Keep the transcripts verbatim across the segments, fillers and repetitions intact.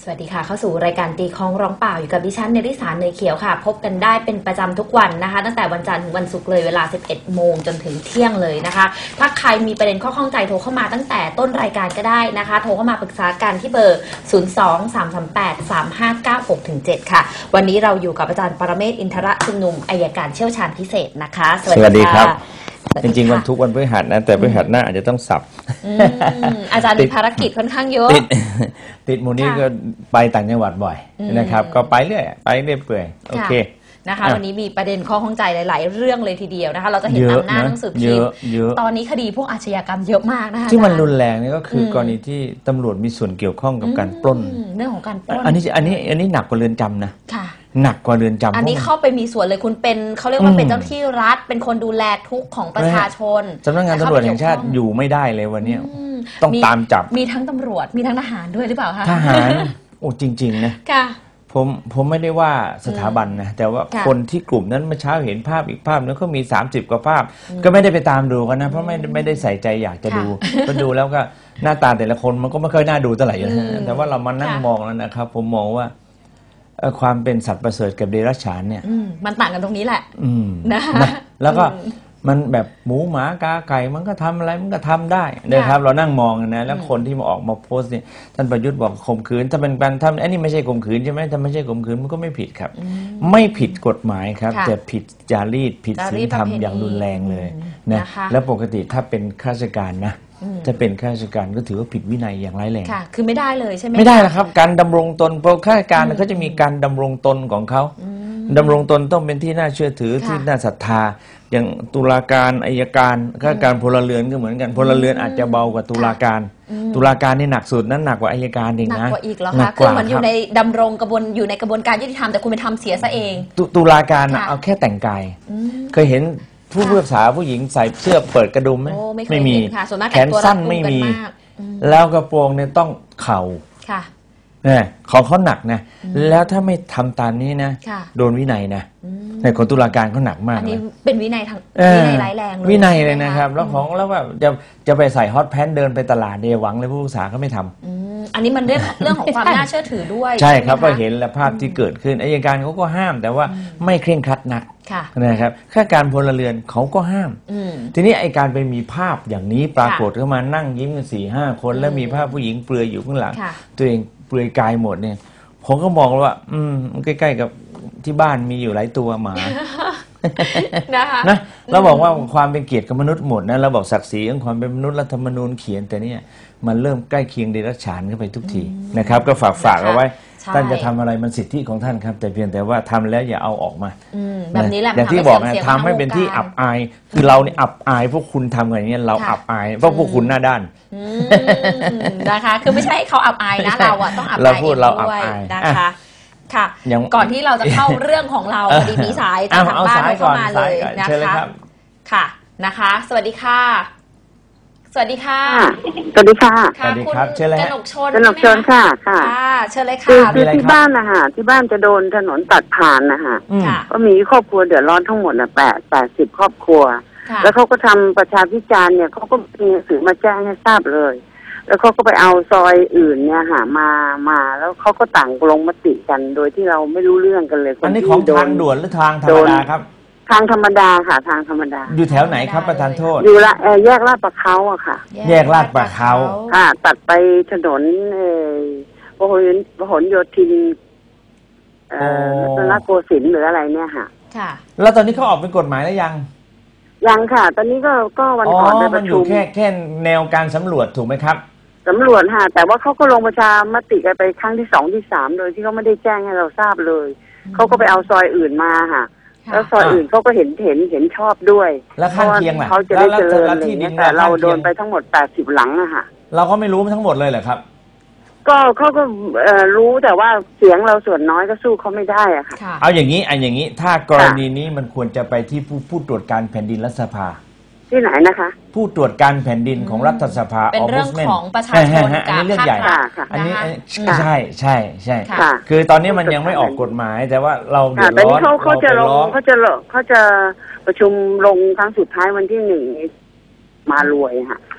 วัสดีค่ะเข้าสู่รายการตีคล้องร้องเปล่าอยู่กับดิฉันเนริสาเนยเขียวค่ะพบกันได้เป็นประจำทุกวันนะคะตั้งแต่วันจันทร์ถึงวันศุกร์เลยเวลา สิบเอ็ดโมงจนถึงเที่ยงเลยนะคะถ้าใครมีประเด็นข้อข้องใจโทรเข้ามาตั้งแต่ต้นรายการก็ได้นะคะโทรเข้ามาปรึกษากันที่เบอร์ ศูนย์ สอง สาม สาม แปด สาม ห้า เก้า หก เจ็ด ค่ะวันนี้เราอยู่กับอาจารย์ปรเมศวร์อินทรชุมนุมอัยการเชี่ยวชาญพิเศษนะคะสวัสดีครับจริงๆวันทุกวันพฤหัสนะแต่พฤหัสหน้าอาจจะต้องสับอาจารย์มีภารกิจค่อนข้างเยอะติดติดมูนี่ก็ไปต่างจังหวัดบ่อยนะครับก็ไปเรื่อยไปเรื่อยเปื่อยโอเคนะคะวันนี้มีประเด็นข้อข้องใจหลายๆเรื่องเลยทีเดียวนะคะเราจะเห็นตามหน้าหนังสือพิมพ์ตอนนี้คดีพวกอาชญากรรมเยอะมากนะคะที่มันรุนแรงนี่ก็คือกรณีที่ตำรวจมีส่วนเกี่ยวข้องกับการปล้นเรื่องของการปล้นอันนี้อันนี้อันนี้หนักกว่าเรือนจำนะหนักกว่าเรือนจำอันนี้เข้าไปมีส่วนเลยคุณเป็นเขาเรียกว่าเป็นเจ้าที่รัฐเป็นคนดูแลทุกของประชาชนสำนักงานตำรวจแห่งชาติอยู่ไม่ได้เลยวันนี้ต้องตามจับมีทั้งตำรวจมีทั้งทหารด้วยหรือเปล่าคะทหารโอ้จริงๆนะค่ะผมผมไม่ได้ว่าสถาบันนะแต่ว่าคนที่กลุ่มนั้นเมื่อเช้าเห็นภาพอีกภาพนึงก็มีสามสิบกว่าภาพก็ไม่ได้ไปตามดูกันนะเพราะไม่ไม่ได้ใส่ใจอยากจะดูก็ดูแล้วก็หน้าตาแต่ละคนมันก็ไม่ค่อยน่าดูเท่าไหร่นะแต่ว่าเรามานั่งมองแล้วนะครับผมมองว่าความเป็นสัตว์ประเสริฐกับเดรัจฉานเนี่ยมันต่างกันตรงนี้แหละนะแล้วก็มันแบบหมูหมากาไก่มันก็ทำอะไรมันก็ทำได้นะครับเรานั่งมองนะแล้วคนที่มาออกมาโพสต์เนี่ยท่านประยุทธ์บอกข่มขืนถ้าเป็นการทำอันนี้ไม่ใช่ข่มขืนใช่ไหมถ้าไม่ใช่ข่มขืนมันก็ไม่ผิดครับไม่ผิดกฎหมายครับแต่ผิดจารีตผิดศีลธรรมอย่างรุนแรงเลยนะแล้วปกติถ้าเป็นข้าราชการนะจะเป็นข้าราชการก็ถือว่าผิดวินัยอย่างร้ายแรงค่ะคือไม่ได้เลยใช่ไหมไม่ได้หรอกครับการดำรงตนเพราะข้าราชการเขาจะมีการดำรงตนของเขาดำรงตนต้องเป็นที่น่าเชื่อถือที่น่าศรัทธาอย่างตุลาการอัยการข้าราชการพลเรือนก็เหมือนกันพลเรือนอาจจะเบากว่าตุลาการตุลาการนี่หนักสุดนั้นหนักกว่าอัยการเองนะหนักกว่าอีกเหรอคะคือมันอยู่ในดำรงกระบวนอยู่ในกระบวนการยุติธรรมแต่คุณไปทำเสียซะเองตุลาการเอาแค่แต่งกายเคยเห็นผู้พิพากษาผู้หญิงใส่เสื้อเปิดกระดุมไหมไม่มีแขนสั้นไม่มีแล้วกระโปรงเนี่ยต้องเข่าเนี่ยของเขาหนักนะแล้วถ้าไม่ทำตามนี้นะโดนวินัยนะในของตุลาการเขาหนักมากอันนี้เป็นวินัยทางวินัยร้ายแรงเลยวินัยเลยนะครับแล้วของแล้วแบบจะจะไปใส่ฮอตแพนเดินไปตลาดเดียหวังเลยผู้พิพากษาเขาไม่ทำอันนี้มันเรื่องเรื่องของความน่าเชื่อถือด้วยใช่ครับก็เห็นแล้วภาพที่เกิดขึ้นอัยการเขาก็ห้ามแต่ว่าไม่เคร่งครัดนักนะครับข้าราชการพลเรือนเขาก็ห้ามทีนี้ไอ้การไปมีภาพอย่างนี้ปรากฏเข้ามานั่งยิ้มกันสี่ห้าคนแล้วมีภาพผู้หญิงเปลือยอยู่ข้างหลังตัวเองเปลือยกายหมดเนี่ยผมก็มองว่าอืมใกล้ๆกับที่บ้านมีอยู่หลายตัวหมานะคะนะเราบอกว่าความเป็นเกียรติกับมนุษย์หมดนะเราบอกศักดิ์ศรีของความเป็นมนุษย์รัฐธรรมนูญเขียนแต่เนี่ยมันเริ่มใกล้เคียงเดรัจฉานเข้าไปทุกทีนะครับก็ฝากฝากเอาไว้ท่านจะทำอะไรมันสิทธิของท่านครับแต่เพียงแต่ว่าทำแล้วอย่าเอาออกมาแบบนี้แหละอย่างที่บอกนะทำให้เป็นที่อับอายคือเราเนี่ยอับอายพวกคุณทำอย่างนี้เราอับอายเพราะพวกคุณหน้าด้านนะคะคือไม่ใช่เขาอับอายนะเราอะต้องอับอายด้วยนะคะค่ะก่อนที่เราจะเข้าเรื่องของเราพอดีมีสายจากทางบ้านเข้ามาเลยนะคะค่ะนะคะสวัสดีค่ะสวัสดีค่ะสวัสดีค่ะสวัสดีครับเชิญเลยกนกชนกนกชนค่ะค่ะเชิญเลยค่ะคือที่บ้านนะคะที่บ้านจะโดนถนนตัดผ่านนะคะก็มีครอบครัวเดือดร้อนทั้งหมดนะแปดแปดสิบครอบครัวแล้วเขาก็ทำประชาพิจารณ์เนี่ยเขาก็มีหนังสือมาแจ้งให้ทราบเลยแล้วเขาก็ไปเอาซอยอื่นเนี่ยหามามาแล้วเขาก็ต่างลงมติกันโดยที่เราไม่รู้เรื่องกันเลยอันนี้ของทางด่วนหรือทางธรรมดาครับทางธรรมดาค่ะทางธรรมดาอยู่แถวไหนครับประธานโทษอยู่ละแยกลาดประเขาอะค่ะแยกลาดประเขาค่ะตัดไปถนนเออพหลพหลโยธินเอ่อรัตนโกสินทร์หรืออะไรเนี่ยค่ะค่ะแล้วตอนนี้เขาออกเป็นกฎหมายแล้วยังยังค่ะตอนนี้ก็ก็วันก่อนไปประชุมแค่แค่แนวการสำรวจถูกไหมครับสำรวจค่ะแต่ว่าเขาก็ลงประชามติกันไปครั้งที่สองที่สามโดยที่เขาไม่ได้แจ้งให้เราทราบเลยเขาก็ไปเอาซอยอื่นมาค่ะแล้วซอยอื่นเขาก็เห็นเห็นเห็นชอบด้วยแล้วข้างเคียงล่ะเขาจะได้เจริญอะไรอย่างเงี้ยแต่เราโดนไปทั้งหมดแปดสิบหลังอะค่ะเราก็ไม่รู้ทั้งหมดเลยเหรอครับก็เขาก็รู้แต่ว่าเสียงเราส่วนน้อยก็สู้เขาไม่ได้อะค่ะเอาอย่างนี้อันอย่างนี้ถ้ากรณีนี้มันควรจะไปที่ผู้ผู้ตรวจการแผ่นดินรัฐสภาที่ไหนนะคะผู้ตรวจการแผ่นดินของรัฐสภาเป็นเรื่องของประชาชนอันนี้เรื่องใหญ่อันนี้ใช่ใช่ใช่คือตอนนี้มันยังไม่ออกกฎหมายแต่ว่าเราเดือดร้อนเขาเขาจะลงเขาจะเขาจะประชุมลงครั้งสุดท้ายวันที่หนึ่งมารวยค่ะ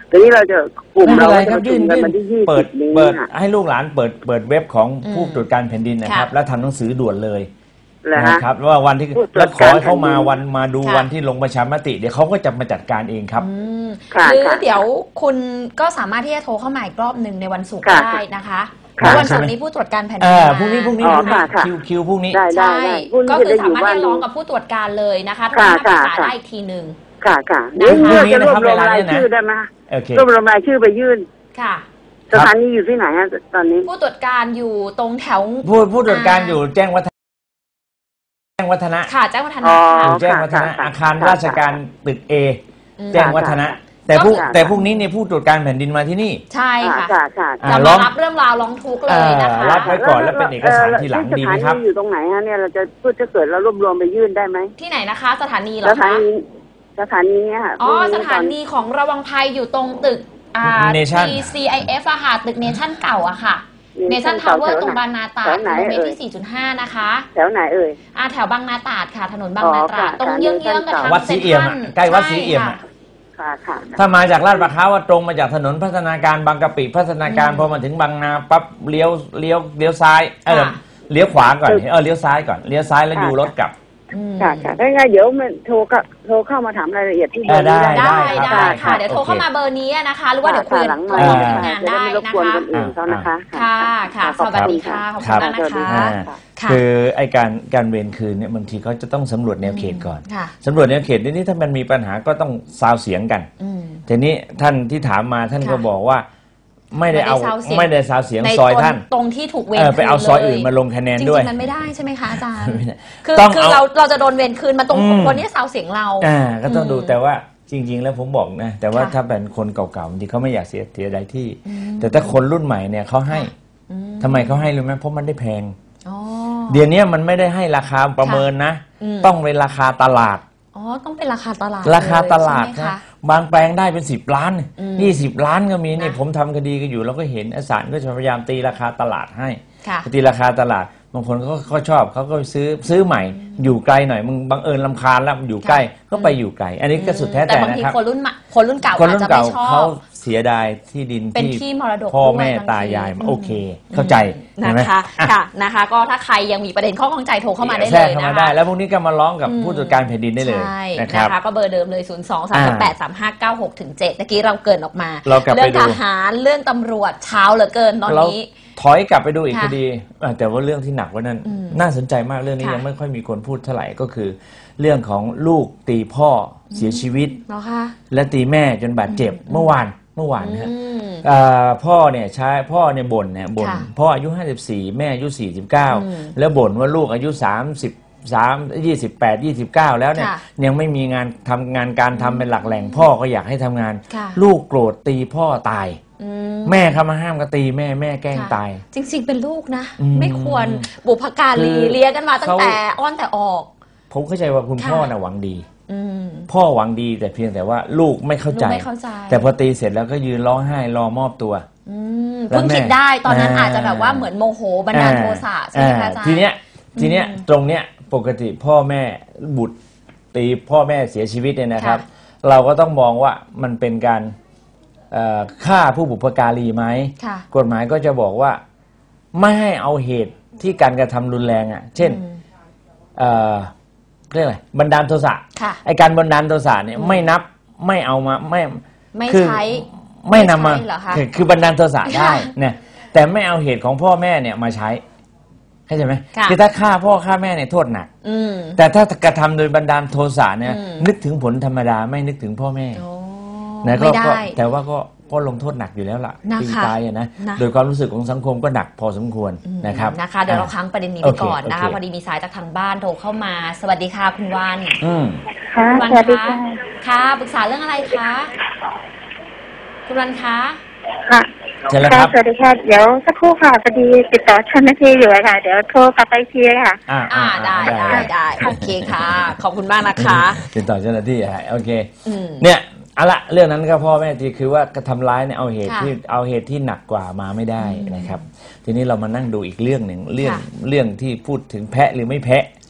ทีนี้เราจะกลุ่มไม่เราเป็นไรครับจะประชุยื่นมกันยื่นวันที่ยี่เปิสิดบนี้เปิดค่ะให้ลูกหลานเปิดเปิดเว็บของอืมผู้ตรวจการแผ่นดินนะครับค่ะแล้วทำหนังสือด่วนเลยเหรอนะฮะครับว่าวันที่ผู้ตรวจแล้วขอให้เขามาการแผ่นดินวันมาดูค่ะวันที่ลงประชามติเดี๋ยวเขาก็จะมาจัดการเองครับอืมค่ะหรือค่ะเดี๋ยวคุณก็สามารถที่จะโทรเข้ามาอีกรอบหนึ่งในวันศุกร์ค่ะได้นะคะเพค่ะราะวันศุกร์นี้ผู้ตรวจการแผ่นดิเอน อมาพรุ่งนี้พรุ่งนี้อ๋อพรุ่งนี้ค่ะค่ะคิวคิวพรุ่งนี้ได้ได้ใช่ได้พรุ่งก็นี้คือจะได้อสายู่มารถบ้านที่จะร้ดูองกับผู้ตรวจการเลยนะคะโทรค่ะมาปรึกษาค่ะได้อีกทีหนึ่งค่ะค่ะนะเดี๋ยวคะเพื่อจะรวบรวมเวลารายเนี่ยนะชื่อได้ไหมคะโอเครวบรวมรายชื่อไปยื่นค่ะสถานีอยู่ที่ไหนฮะตอนนี้ผู้ตรวจการอยู่ตรงแถวผู้ผู้ตรวจการอยู่แจ้งวัฒนะแจ้งวัฒนะค่ะแจ้งวัฒอ๋นะอค่ะอยู่แจ้งวัฒนะค่ะอาคารค่ะราชการตึกเออืมแจ้งวัฒนะค่ะแต่ผู้ค่ะแต่พรุ่งนี้เนี่ยผู้ตรวจการแผ่นดินมาที่นี่ใช่ค่ะค่ะค่ะค่ะอ่าจะร้มาองรับเรื่องราวร้องทุกข์เลยนะคะเอ่อรับไว้ ก่อนแล้วเป็นเอกสารทีหลังดีไหมครับสถานีอยู่ตรงไหนฮะเนี่ยเราจะพูดถ้าเกิดเรารวบรวมไปยื่นได้ไหมที่ไหนนะคะ สถานีเหรสอถาคะนีสถานีเนี่ยค่ะอ๋อพรุ่งสถานีของระวังภัยอยู่ตรงตึกอ่า Nation ที ซี ไอ เอฟ อะค่ะตึกเนชั่นเก่าอะค่ะเนชั่นทาวเวอร์ตรงบางนาตราดกิโลเมตรที่ สี่จุดห้า นะคะแถวไหนเอ่ยอ่าแถวบางนาตราดค่ะ ถนนบางนาตราดอ๋อค่ะตรงเยื้องๆกับทางวัดศรีเอี่ยมอะใกล้วัดศรีเอี่ยมอะค่ะค่ะถ้ามาจากลาดประเขาว่าตรงมาจากถนนพัฒนาการบางกะปิพัฒนาการพอมาถึงบางนาปั๊บเลี้ยวเลี้ยวเลี้ยวซ้ายเออเลี้ยวขวาก่อนเออเลี้ยวซ้ายก่อนเลี้ยวซ้ายแล้วอยู่รถกลับอืมค่ะค่ะถ้าไงเดี๋ยวมันโทรก็โทรเข้ามาถามรายละเอียดที่เบอร์นี้ได้ได้ครับได้ได้ครัค่ะบเดี๋ยวโทรโอเคเข้ามาเบอร์นี้นะคะ หรือว่าเดี๋ยวคุยหลังคุมายกับอ่าทีมงานจะได้ไม่รบนะกวนคะคนอื่นเขานะคะค่ะค่ะขสอบวัสณดีค่ะขอบครัคุณบมากนะคะอ่าค่ะค่ะคือไอการการเวรคืนเนี่ยบางทีเขาจะต้องสำรวจแนวเขตก่อนค่ะสำรวจแนวเขตนี่ถ้ามันมีปัญหาก็ต้องซาวเสียงกันอืมทีนี้ท่านที่ถามมาท่านก็ค่ะบอกว่าไม่ได้เอาไม่ได้ซาวเสียงไม่ได้ซาวเสียงในซอยตรงท่านตรงที่ถูกเวรเออไปเอาคืนซอยเลยอื่นมาลงคะแนนจด้วยริงๆมันไม่ได้ใช่ไหมคะอาจารย์ไม่ได้คือต้องคือเอาเราเราจะโดนเวรคืนมาตรงอืมคนนี้ซาวเสียงเราอ่าก็ต้องดูอืมแต่ว่าจริง ๆ แล้วผมบอกนะแต่ว่าค่ะถ้าเป็นคนเก่าๆบางทีเขาไม่อยากเสียเสียดายที่อืมแต่ถ้าคนรุ่นใหม่เนี่ยเขาให้อืทำไมเขาให้รู้ไหมเพราะมันได้แพงอ๋อเดี๋ยวนี้มันไม่ได้ให้ราคาประเมินนะอืมต้องเป็นราคาตลาดอ๋อต้องเป็นราคาตลาดราคาตลาดใช่ไหมนะคะ บางแปลงได้เป็นสิบล้านอืมยี่สิบล้านก็มีนี่นะผมทำคดีกันอยู่เราก็เห็นศาลก็จะพยายามตีราคาตลาดให้ค่ะตีราคาตลาดบางคนเขาเขาชอบเขาก็ซื้อซื้อใหม่ อยู่ไกลหน่อยมึงบังเอิญลำคาญแล้วอยู่ใกล้ก็ไปอยู่ไกล อันนี้ก็สุดแท้แต่แต่บางนะทีครับคนรุ่นใหม่คนรุ่นเก่าคนอาจรุ่นจะไม่เก่าชอเขาบเสียดายที่ดินเป็นที่ที่มรดกพ่อด้วยแม่บางทีตายายอืมโอเค เข้าใจเห็นไหมนะคะอ่ะค่ะนะคะ ก็ถ้าใครยังมีประเด็นข้อข้องใจโทรเข้ามาได้แทรเลกยเข้านะมาได้คะแล้วพวกนี้ก็มาร้องกับอืมผู้ตรวจการแผ่นดินได้เลยใช่นะครับนะคะก็เบอร์เดิมเลย ศูนย์ สอง สาม แปด สาม ห้า เก้า หก ถึง เจ็ด เมื่อกี้เราเกรินออกมาเรากลับไปเรื่องดูทหารเรื่องตำรวจเช้าเหลือเกินตอนเรานี้ถอยกลับไปดูอีกค่ะคดีอ่ะแต่ว่าเรื่องที่หนักกว่านั้นอืมน่าสนใจมากเรื่องนี้ค่ะยังไม่ค่อยมีคนพูดเท่าไหร่ก็คือ เรื่องของลูกตีพ่อเสียชีวิตเนาะคะและตีแม่จนบาดเจ็บเมื่อวานเมื่อวานนะฮะอืมเอ่อพ่อเนี่ยใช้พ่อเนี่ยบ่นเนี่ยบ่นค่ะพ่ออายุห้าสิบสี่แม่อายุสี่สิบเก้าอืมแล้วบ่นว่าลูกอายุสามสิบสามยี่สิบแปดยี่สิบเก้าแล้วเนี่ยค่ะยังไม่มีงานทำงานการทำเป็นหลักแหล่งพ่อก็อยากให้ทำงานค่ะลูกโกรธตีพ่อตายอืมแม่เข้ามาห้ามก็ตีแม่แม่แกล้งค่ะตายจริง ๆ เป็นลูกนะอืมไม่ควรบุพการีคือเลี้ยงกันมาตั้งเขาแต่อ้อนแต่ออกผมเข้าใจว่าคุณค่ะพ่อน่ะหวังดีอืมพ่อหวังดีแต่เพียงแต่ว่าลูกไม่เข้าใจลูกไม่เข้าใจแต่พอตีเสร็จแล้วก็ยืนร้องไห้รอมอบตัวอืมแล้วเพิ่งแม่คิดได้ตอนนั้นอ่าอาจจะแบบว่าเหมือนโมโหบันดาลโทสะใช่ไหมคะอาจารย์ทีเนี้ยทีเนี้ยอืมตรงเนี้ยปกติพ่อแม่บุตรตีพ่อแม่เสียชีวิตเนี่ยนะครับ เราก็ต้องมองว่ามันเป็นการเอ่อฆ่าผู้บุพการีไหมค่ะกฎหมายก็จะบอกว่าไม่ให้เอาเหตุที่การกระทำรุนแรงอ่ะเช่นอืมเอ่อเรียกอะไรบันดาลโทสะค่ะไอการบันดาลโทสะเนี่ยไม่นับไม่เอามาไม่ไม่คือใช้ไม่นำมาไม่ใช้เหรอคะคือคือบันดาลโทสะได้ค่ะเนี่ยแต่ไม่เอาเหตุของพ่อแม่เนี่ยมาใช้เข้าใจไหมค่ะคือถ้าฆ่าพ่อฆ่าแม่เนี่ยโทษหนักอืมแต่ถ้ากระทำโดยบันดาลโทสะเนี่ยอืมนึกถึงผลธรรมดาไม่นึกถึงพ่อแม่โอ้นะก็ไม่ได้ก็แต่ว่าก็ก็ลงโทษหนักอยู่แล้วล่ะนะคะตีตายอะนะนะโดยความรู้สึกของสังคมก็หนักพอสมควรอืมนะครับนะคะเดี๋ยวเราอ่ค้างประเด็นนี้โอไปเคก่อนนะคะโอเคพอดีมีสายจากทางบ้านโทรเข้ามา สวัสดีค่ะคุณวันอืมค่ะคุณวันสวัสดีคะค่ะค่ะปรึกษาเรื่องอะไรคะคุณวันคะค่ะเชิญเลยค่ะครับสวัสดีค่ะ เดี๋ยวสักครู่ค่ะพอดีติดต่อเจ้าหน้าที่อยู่อะค่ะ เดี๋ยวโทรกลับไปอีกทีค่ะอ่าอ่าได้ได้ได้โอเคค่ะ ขอบคุณมากนะคะติดต่อเจ้าหน้าที่อ่ะโอเคอืมเนี่ยเอาละเรื่องนั้นก็พ่อแม่ทีคือว่ากระทำร้ายเนี่ยเอาเหตุค่ะที่เอาเหตุที่หนักกว่ามาไม่ได้นะครับ ทีนี้เรามานั่งดูอีกเรื่องหนึ่งเรื่องค่ะเรื่องที่พูดถึงแพะหรือไม่แพะค่ะ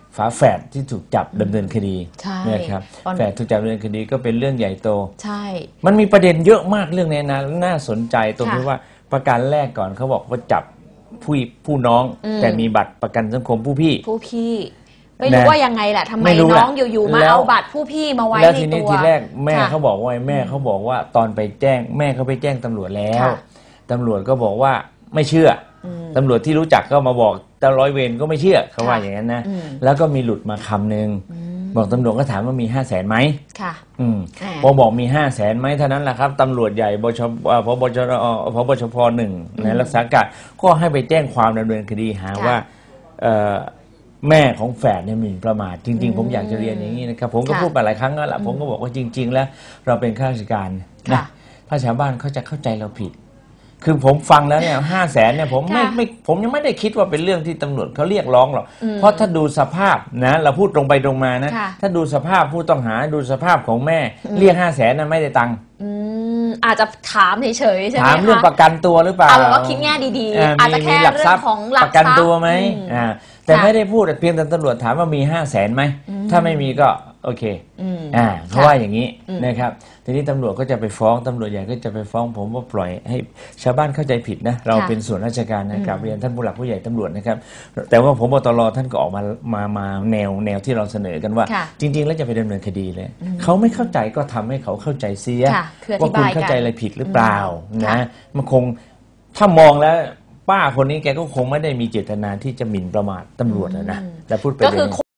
ฝาแฝดที่ถูกจับดำเนินคดีนะครับแฝดถูกจับดำเนินคดีก็เป็นเรื่องใหญ่โตใช่มันมีประเด็นเยอะมากเรื่องนี้นะน่าสนใจตรงที่ว่าประกันแรกก่อนเขาบอกว่าจับผู้ผู้น้องแต่มีบัตรประกันสังคมผู้พี่ผู้พี่ไม่รู้ว่ายังไงแหละทำไมน้องอยู่ๆมาเอาบัตรผู้พี่มาไว้ในตัวแล้วทีนี้ทีแรกแม่เขาบอกว่าแม่เขาบอกว่าตอนไปแจ้งแม่เขาไปแจ้งตำรวจแล้วตำรวจก็บอกว่าไม่เชื่อตำรวจที่รู้จักก็มาบอกแต่ร้อยเวรก็ไม่เชื่อเขาว่าอย่างนั้นนะแล้วก็มีหลุดมาคำหนึ่งบอกตำรวจก็ถามว่ามีห้าแสนไหมค่ะอืมพอบอกมีห้าแสนไหมเท่านั้นแหละครับตำรวจใหญ่บชพบชพบชพหนึ่งในรักษาการก็ให้ไปแจ้งความดำเนินคดีหาว่าแม่ของแฝดเนี่ยหมิ่นประมาทจริงๆผมอยากจะเรียนอย่างนี้นะครับผมก็พูดไปหลายครั้งแล้วล่ะผมก็บอกว่าจริงๆแล้วเราเป็นข้าราชการนะถ้าชาวบ้านเขาจะเข้าใจเราผิดคือผมฟังแล้วเนี่ยห้าแสนเนี่ยผมไม่ไม่ผมยังไม่ได้คิดว่าเป็นเรื่องที่ตำรวจเขาเรียกร้องหรอกเพราะถ้าดูสภาพนะเราพูดตรงไปตรงมานะถ้าดูสภาพผู้ต้องหาดูสภาพของแม่เรียกห้าแสนนั้นไม่ได้ตังค์อาจจะถามเฉยๆใช่ไหมคะถามเรื่องประกันตัวหรือเปล่าเอาว่าคิดแง่ดีๆอาจจะแค่เรื่องของหลักทรัพย์ประกันตัวไหมอ่าแต่ไม่ได้พูดเพียงแต่ตำรวจถามว่ามีห้าแสนไหมถ้าไม่มีก็โอเคอ่าเขาว่าอย่างนี้นะครับทีนี้ตำรวจก็จะไปฟ้องตำรวจใหญ่ก็จะไปฟ้องผมว่าปล่อยให้ชาวบ้านเข้าใจผิดนะเราเป็นส่วนราชการนะครับเรียนท่านผู้หลักผู้ใหญ่ตำรวจนะครับแต่ว่าผมบตรท่านก็ออกมามามาแนวแนวที่เราเสนอกันว่าจริงๆแล้วจะไปดำเนินคดีเลยเขาไม่เข้าใจก็ทำให้เขาเข้าใจเสียว่าคุณเข้าใจอะไรผิดหรือเปล่านะมันคงถ้ามองแล้วป้าคนนี้แกก็คงไม่ได้มีเจตนาที่จะหมิ่นประมาทตำรวจนะแต่พูดไป